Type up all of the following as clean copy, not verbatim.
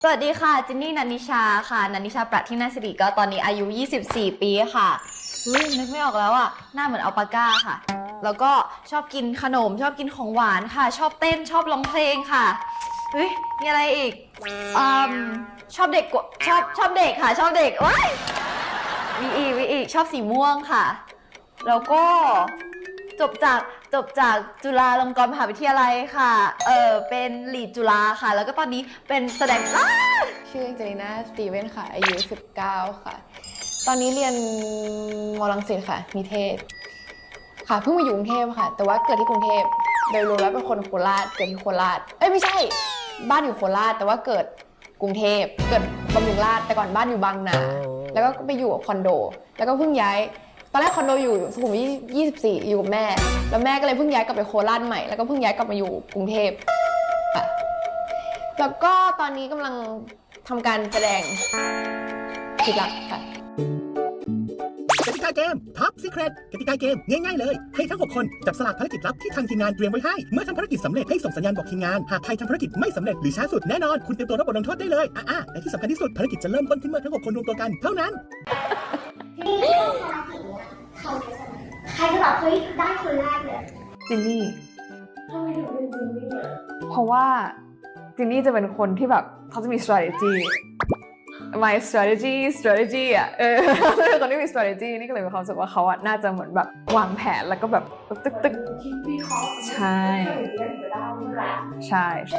สวัสดีค่ะจินนี่นันนิชาค่ะนันนิชาประทินาสิริก็ตอนนี้อายุ24 ปีค่ะนึกไม่ออกแล้วอ่ะหน้าเหมือนอัลปาก้าค่ะแล้วก็ชอบกินขนมชอบกินของหวานค่ะชอบเต้นชอบร้องเพลงค่ะมีอะไรอีกชอบเด็กชอบเด็กค่ะชอบเด็กว้ายมีอีกชอบสีม่วงค่ะแล้วก็จบจากจุฬาลงกรณ์มหาวิทยาลัยค่ะเป็นลีดจุฬาค่ะแล้วก็ตอนนี้เป็นแสดงชื่อเจลิน่าสตีเวนค่ะอายุ19ค่ะตอนนี้เรียนม.รังสิตค่ะนิเทศค่ะเพิ่งมาอยู่กรุงเทพค่ะแต่ว่าเกิดที่กรุงเทพโดยรวมแล้วเป็นคนโคราชเกิดที่โคราชไม่ใช่บ้านอยู่โคราชแต่ว่าเกิดกรุงเทพเกิดบำรุงราษฎร์แต่ก่อนบ้านอยู่บางนาแล้วก็ไปอยู่คอนโดแล้วก็เพิ่งย้ายตอนแรกคอนโดอยู่สุขุมวิท24อยู่กับแม่แล้วแม่ก็เลยเพิ่งย้ายกลับไปโคราชใหม่แล้วก็เพิ่งย้ายกลับมาอยู่กรุงเทพค่ะแล้วก็ตอนนี้กำลังทำการแสดงผิดหลักค่ะกติกาเกม Top Secret กติกาเกมง่ายๆเลยให้ทั้ง6คนจับสลากภารกิจลับที่ทางทีมงานเตรียมไว้ให้เมื่อทำภารกิจสำเร็จให้ส่งสัญญาณบอกทีมงานหากใครทำภารกิจไม่สำเร็จหรือช้าสุดแน่นอนคุณเตรียมตัวรับบทลงโทษได้เลยและที่สำคัญที่สุดภารกิจจะเริ่มต้นขึ้นเมื่อทั้ง6คนรวมตัวกันเท่านั้นที่ภารกิจเนี้ยใครจะแบบเฮ้ยได้คนแรกเลยจินนี่ทำไมถึงเป็นจินนี่อ่ะเพราะว่าจินนี่จะเป็นคนที่แบบเขาจะมี strategy my strategy อ่ะเขาเป็นคนที่มี strategy นี่ก็เลยมีความรู้สึกว่าเขาอ่ะน่าจะเหมือนแบบวางแผนแล้วก็แบบตึกคิดวิเคราะห์ใช่ใช่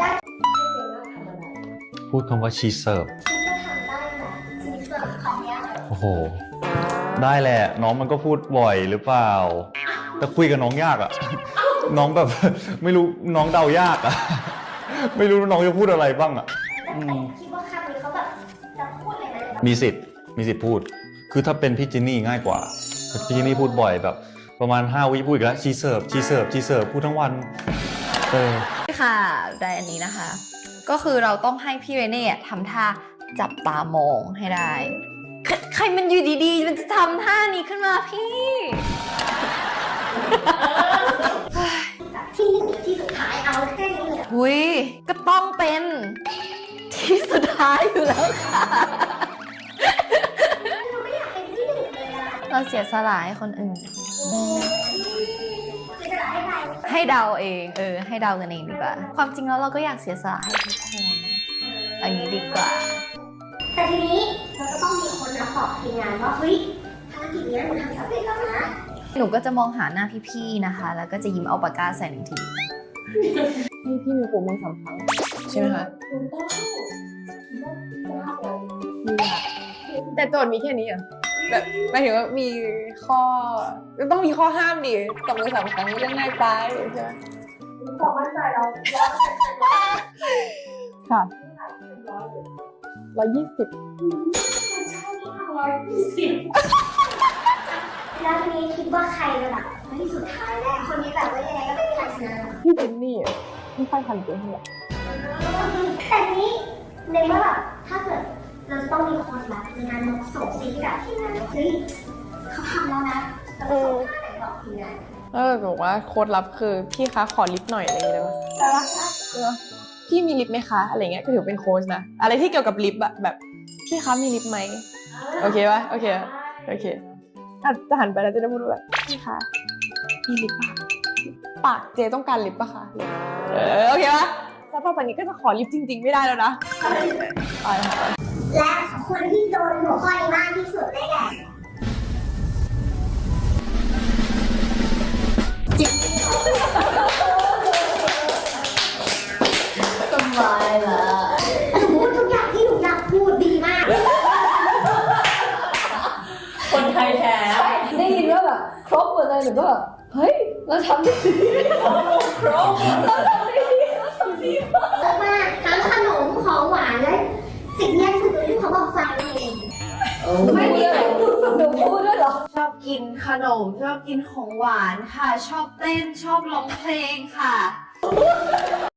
พูดคำว่าชีเสิร์ฟคิดว่าทำได้ไหมชีเสิร์ฟของเนี้ยโอ้โห ได้แหละน้องมันก็พูดบ่อยหรือเปล่าแต่คุยกับน้องยากอะ น้องแบบ ไม่รู้น้องเดายากอะ ไม่รู้น้องจะพูดอะไรบ้างอะคิดว่าคำนี้เขาแบบจะพูดเลยไหมมีสิทธิ์พูดคือถ้าเป็นพี่จินนี่ง่ายกว่าพี่จินนี่พูดบ่อยแบบประมาณ5 วิพูดอีกแล้วชีเสิร์ฟพูดทั้งวันค่ะได้อันนี้นะคะก็คือเราต้องให้พี่เรเน่ทำท่าจับตามองให้ได้ใครมันอยู่ดีๆมันจะทำท่านี้ขึ้นมาพี่ที่สุดท้ายเอาแค่นี้เลยหุยก็ต้องเป็นที่สุดท้ายอยู่แล้วค่ะเราไม่อยากเป็นที่หนึ่งเลยอะเราเสียสละให้คนอื่นจะได้อะไรให้เดาเองให้เดากันเองดีกว่าความจริงแล้วเราก็อยากเสียสละให้ทุกคนอย่างนี้ดีกว่าแต่ทีนี้เราก็ต้องมีคนมาบอกทีมงานว่าเฮ้ยภารกิจนี้หนูทำสำเร็จแล้วนะหนูก็จะมองหาหน้าพี่ๆนะคะแล้วก็จะยิ้มเอาปากกาใส่หนึ่งทีพี่มีปู่มือ3 ครั้งใช่ไหมคะแต่โจทย์มีแค่นี้อ่ะแบบหมายถึงว่ามีข้อต้องมีข้อห้ามดิตบมือ3 ครั้งเรื่องง่ายไปใช่ไหมความมั่นใจเราค่ะ120 แล้วทีนี้คิดว่าใครจะแบบที่สุดท้ายแล้วคนนี้แบบว่ายังไงก็ไม่มีใครชนะพี่จินนี่ไม่ค่อยทันตัวเท่าไหร่แต่นี้ในเมื่อแบบถ้าเกิดเราจะต้องมีคนแบบในงานส่งซีรีส์แบบที่นั่นเฮ้ยเขาทำแล้วนะแต่ส่งท่าไหนบอกทีมงานบอกว่าโค้ดลับคือพี่คะขอลิฟต์หน่อยอะไรอย่างเงี้ยได้ปะพี่มีลิฟต์ไหมคะอะไรเงี้ยก็ถือเป็นโค้ชนะอะไรที่เกี่ยวกับลิฟต์อะแบบพี่คะมีลิฟต์ไหมโอเคปะโอเคจะหันไปแล้วจะได้พูดแบบพี่คะมีลิฟต์ป่ะปากเจต้องการลิฟต์ป่ะคะโอเคปะถ้าต่อไปนี้ก็จะขอลิฟต์จริงๆไม่ได้แล้วนะและคนที่โดนหัวข้อนี้มากที่สุดได้แก่สบายละพูดทุกอย่างที่หนูอยากพูดดีมากคนไทยแท้ได้ยินว่าแบบครบหมดเลยหนูก็แบบเฮ้ยเราทำได้ดีครบเราทำได้ดีมากทั้งขนมของหวานและสิ่งแรกคือที่เขาบอกฟังเองไม่มีใครพูดหนูพูดด้วยเหรอชอบกินขนมชอบกินของหวานค่ะชอบเต้นชอบร้องเพลงค่ะ